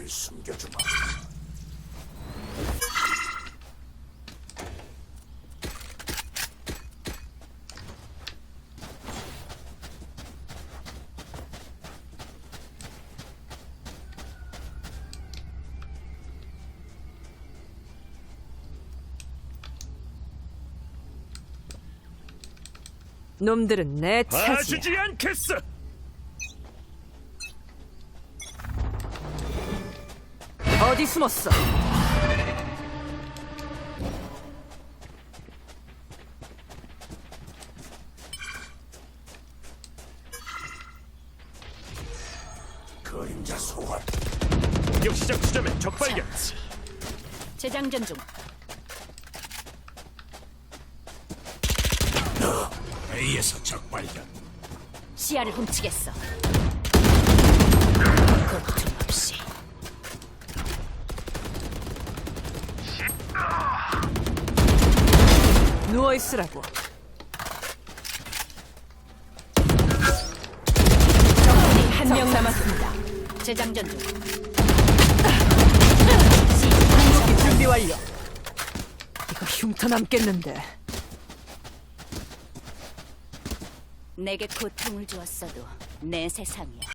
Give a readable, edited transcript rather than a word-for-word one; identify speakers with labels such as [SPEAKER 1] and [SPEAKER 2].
[SPEAKER 1] 날 숨겨주마.
[SPEAKER 2] 놈들은 내 차지야.
[SPEAKER 3] 봐주지 않겠어.
[SPEAKER 2] 어디 숨었어?
[SPEAKER 1] 그림자 소환.
[SPEAKER 3] 공격 시작 지점에 적 발견.
[SPEAKER 4] 재장전 중.
[SPEAKER 1] A에서 적 발견.
[SPEAKER 4] 시야를 훔치겠어. 고통 없이.
[SPEAKER 2] 누워 있으라고. 적군이 한 명 남았습니다.
[SPEAKER 4] 재장전 중.
[SPEAKER 2] 궁극기 준비 완료. 이거 흉터 남겠는데.
[SPEAKER 4] 내게 고통을 주었어도 내 세상이야.